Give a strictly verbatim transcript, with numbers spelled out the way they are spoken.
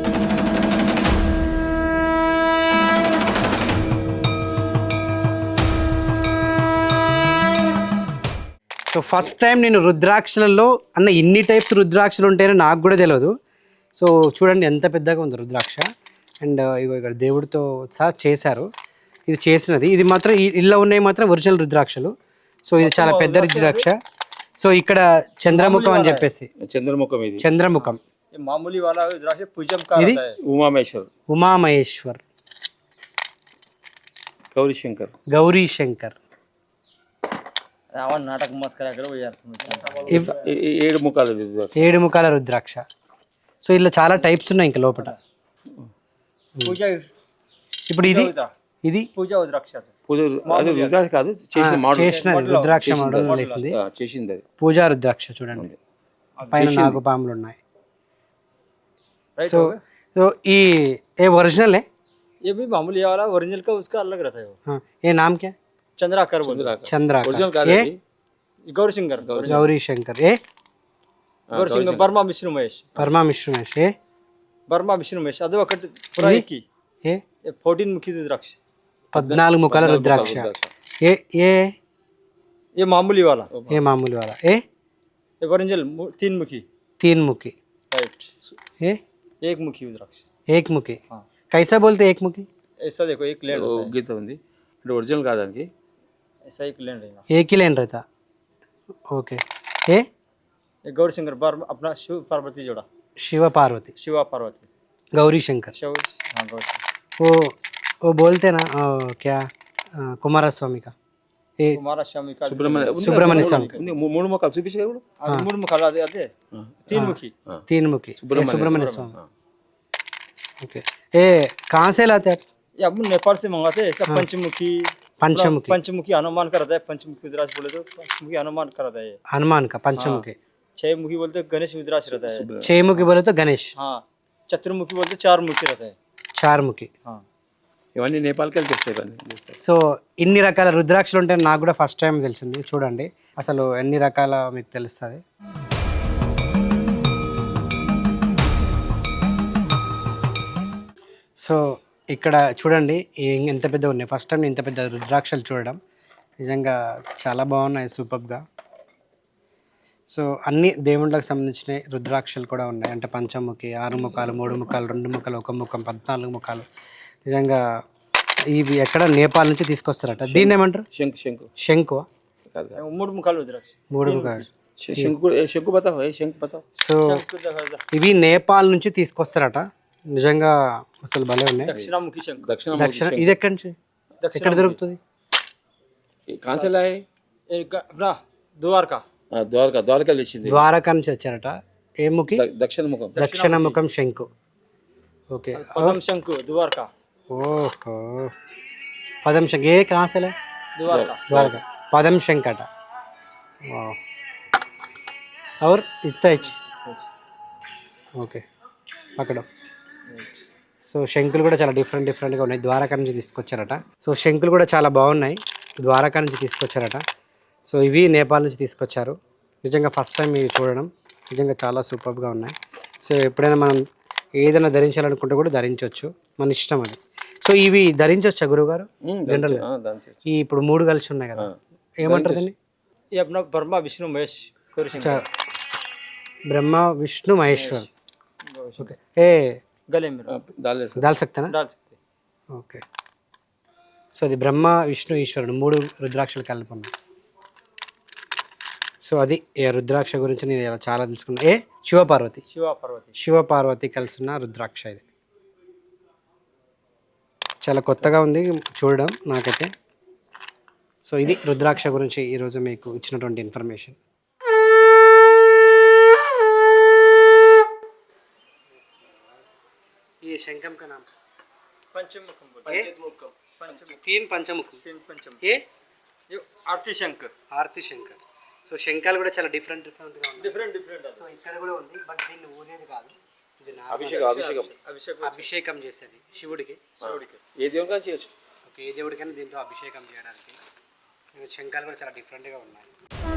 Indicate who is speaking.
Speaker 1: So first time నేను రుద్రాక్షలలో అన్న ఇన్ని టైప్స్ రుద్రాక్షలు ఉంటాయని నాకు కూడా తెలియదు. సో చూడండి ఎంత పెద్దగా ఉంది రుద్రాక్ష. అండ్ ఇగో ఇక్కడ దేవుడితో సహా చేశారు. ఇది చేసినది ఇది మాత్రం ఇళ్ళ ఉన్నాయి మాత్రం ఒరిజినల్ రుద్రాక్షలు. సో ఇది చాలా పెద్ద రుద్రాక్ష. సో ఇక్కడ చంద్రముఖం అని చెప్పేసి
Speaker 2: చంద్రముఖం ఇది
Speaker 1: చంద్రముఖం
Speaker 2: మామూలు वाला रुद्राक्ष पूजन का
Speaker 1: ఇది
Speaker 2: उमामेश्वर
Speaker 1: ఉమామహేశ్వర్
Speaker 2: गौरी शंकर
Speaker 1: గౌరీ శంకర్
Speaker 2: రావణ నాటకం మత్ కరా కర ఏడు ముఖాల రుద్రాక్ష
Speaker 1: ఏడు ముఖాల రుద్రాక్ష. సో ఇలా చాలా టైప్స్ ఉన్నాయి ఇంకా లోపల.
Speaker 2: పూజ
Speaker 1: ఇప్పుడు ఇది ఇది
Speaker 2: పూజ రుద్రాక్ష పూజ అది రుద్రాక్ష కాదు చేసిన మోడల్
Speaker 1: చేసినది రుద్రాక్ష మోడల్ చేసింది
Speaker 2: చేసింది అది
Speaker 1: పూజా రుద్రాక్ష. చూడండి పైన నాగుపాములు ఉన్నాయి. సో तो ये ये ओरिजिनल है,
Speaker 2: ये भी मामूली वाला ओरिजिनल का उसका अलग रहता है वो.
Speaker 1: हाँ ये नाम क्या?
Speaker 2: चंद्राकर बोलते हैं.
Speaker 1: चंद्राकर. ये
Speaker 2: गौरी शंकर.
Speaker 1: गौरी शंकर. ये
Speaker 2: गौरी शंकर बर्मा विष्णु महेश.
Speaker 1: बर्मा विष्णु महेश. ये
Speaker 2: बर्मा विष्णु महेश అది ఒకటి పురాయికి.
Speaker 1: ये
Speaker 2: चौदह ముఖి రుద్రాక్ష
Speaker 1: పద్నాలుగు ముఖాల రుద్రాక్ష. ये ये
Speaker 2: ये मामूली वाला.
Speaker 1: ये मामूली वाला. ये
Speaker 2: ये ओरिजिनल तीन मुखी.
Speaker 1: तीन मुखी.
Speaker 2: राइट.
Speaker 1: ये
Speaker 2: एक मुखी रुद्राक्ष.
Speaker 1: एक मुखी. हाँ. कैसा बोलते एक मुखी?
Speaker 2: ऐसा देखो एक लेन गीत ఉంది అంటే ఒరిజినల్ కాదానికి ऐसा एक लेन रहेगा.
Speaker 1: एक ही लेन रहता. ओके. ये
Speaker 2: ये गौरी शंकर बार अपना शिव पार्वती जोड़ा.
Speaker 1: शिव पार्वती.
Speaker 2: शिवा पार्वती.
Speaker 1: गौरी शंकर.
Speaker 2: शिव हां गौरी.
Speaker 1: वो वो बोलते ना क्या कुमार स्वामी का ये
Speaker 2: कुमार स्वामी का
Speaker 1: सुब्रमण्य सुब्रमण्य स्वामी
Speaker 2: మూడు ముఖాలు చూపించారు కూడా. అది మూడు ముఖాలు అదే అదే तीन मुखी.
Speaker 1: तीन मुखी सुब्रमण्य स्वामी. ओके. ये कहाँ से लाते हैं आप?
Speaker 2: ये अब नेपाल से मंगाते हैं. ऐसा पंचमुखी
Speaker 1: पंचमुखी
Speaker 2: पंचमुखी हनुमान का रहता है. पंचमुखी रुद्राक्ष बोले तो पंचमुखी हनुमान का रहता है.
Speaker 1: हनुमान का पंचमुखी.
Speaker 2: छह मुखी बोलते गणेश रुद्राक्ष रहता है.
Speaker 1: छह मुखी बोले तो गणेश.
Speaker 2: हाँ चतुर्मुखी बोलते चार मुखी रहता है.
Speaker 1: चार मुखी.
Speaker 2: हाँ
Speaker 3: ఇవన్నీ నేపాల్కి వెళ్ళి తెస్తాయి ఇవన్నీ.
Speaker 1: సో ఇన్ని రకాల రుద్రాక్షలు ఉంటాయి నాకు కూడా ఫస్ట్ టైం తెలిసింది. చూడండి అసలు ఎన్ని రకాల మీకు తెలుస్తుంది. సో ఇక్కడ చూడండి ఎంత పెద్ద ఉన్నాయి. ఫస్ట్ టైం ఇంత పెద్ద రుద్రాక్షలు చూడడం నిజంగా చాలా బాగున్నాయి సూపర్గా. సో అన్ని దేవుళ్ళకి సంబంధించిన రుద్రాక్షలు కూడా ఉన్నాయి. అంటే పంచముఖి, ఆరు ముఖాలు, మూడు ముఖాలు, రెండు ముఖాలు, ఒక ముఖం, పద్నాలుగు ముఖాలు. నిజంగా ఇవి ఎక్కడ నేపాల్ నుంచి తీసుకొస్తారట. దీన్ని ఏమంటారు?
Speaker 3: శంకు. శంకు
Speaker 1: శంకు
Speaker 2: మూడు ముఖాలు రుద్రాక్ష.
Speaker 1: మూడు ముఖాలు
Speaker 3: శంకు. శంకు బతావు శంకు బతావు.
Speaker 1: సో ఇవి నేపాల్ నుంచి తీసుకొస్తారట. నిజంగా అసలు భలే ఉన్నాయి.
Speaker 2: దక్షిణాముఖి శంకు.
Speaker 3: దక్షిణ
Speaker 1: దక్షిణ ఇది ఎక్కడి నుంచి ఎక్కడ దొరుకుతుంది?
Speaker 3: కాంచలా
Speaker 2: ద్వారకా.
Speaker 3: ద్వారకా ద్వారకా తెచ్చింది.
Speaker 1: ద్వారకా నుంచి వచ్చారట. ఏ ముఖి?
Speaker 3: దక్షిణ ముఖం.
Speaker 1: దక్షిణ ముఖం శంకు. ఓకే.
Speaker 2: పదం శంకు ద్వారకా.
Speaker 1: ओहो पदम शंख. ये कहाँ से लाए?
Speaker 2: द्वारका.
Speaker 1: द्वारका पदम शंख अटा. और इतना इच. ఓకే అక్కడ. సో శంకులు కూడా చాలా డిఫరెంట్ డిఫరెంట్గా ఉన్నాయి. ద్వారకా నుంచి తీసుకొచ్చారట. సో శంకులు కూడా చాలా బాగున్నాయి. ద్వారకా నుంచి తీసుకొచ్చారట. సో ఇవి నేపాల్ నుంచి తీసుకొచ్చారు. నిజంగా ఫస్ట్ టైం ఇవి చూడడం నిజంగా చాలా సూపర్గా ఉన్నాయి. సో ఎప్పుడైనా మనం ఏదైనా ధరించాలనుకుంటే కూడా ధరించవచ్చు, మన ఇష్టం అది. సో ఇవి ధరించవచ్చా గురువుగారు? జనరల్ ఈ ఇప్పుడు మూడు కలిసి ఉన్నాయి కదా, ఏమంటారు దీన్ని?
Speaker 2: బ్రహ్మ విష్ణు మహేష్.
Speaker 1: బ్రహ్మ విష్ణు మహేశ్వర్. ఓకే. ఏ
Speaker 2: గలే में
Speaker 1: डाल सकते ना?
Speaker 2: डाल सकते.
Speaker 1: ఓకే. సో అది బ్రహ్మ విష్ణు ఈశ్వరుడు మూడు రుద్రాక్షలు కలిపి ఉన్నాయి. సో అది ఏ రుద్రాక్ష గురించి నేను ఇలా చాలా తెలుసుకున్నాను. ఏ శివపార్వతి.
Speaker 2: శివపార్వతి.
Speaker 1: శివపార్వతి కలిసిన రుద్రాక్ష ఇది. చాలా కొత్తగా ఉంది చూడడం నాకైతే. సో ఇది రుద్రాక్ష గురించి ఈరోజు మీకు ఇచ్చినటువంటి ఇన్ఫర్మేషన్. ये शंखम का नाम
Speaker 2: पंचमुखम.
Speaker 1: पंचमुखम. तीन पंचमुखम.
Speaker 2: तीन पंचमुख.
Speaker 1: ये
Speaker 2: ये आरती शंख.
Speaker 1: ఆర్తి శంకర్. సో శంఖాలు కూడా చాలా డిఫరెంట్ డిఫరెంట్గా ఉన్నాయి.
Speaker 2: Different different.
Speaker 1: సో ఇక్కడ కూడా ఉంది, బట్ దీన్ని ఊరేది కాదు.
Speaker 3: అభిషేకం అభిషేకం
Speaker 2: అభిషేకం
Speaker 1: అభిషేకం చేసేది శివుడికి.
Speaker 2: శివుడికి
Speaker 3: ఏ దేవుడికైనా చేయొచ్చు.
Speaker 1: ఓకే. ఏ దేవుడికైనా దీంతో అభిషేకం చేయడానికి. శంఖాలు కూడా చాలా డిఫరెంట్గా ఉన్నాయి.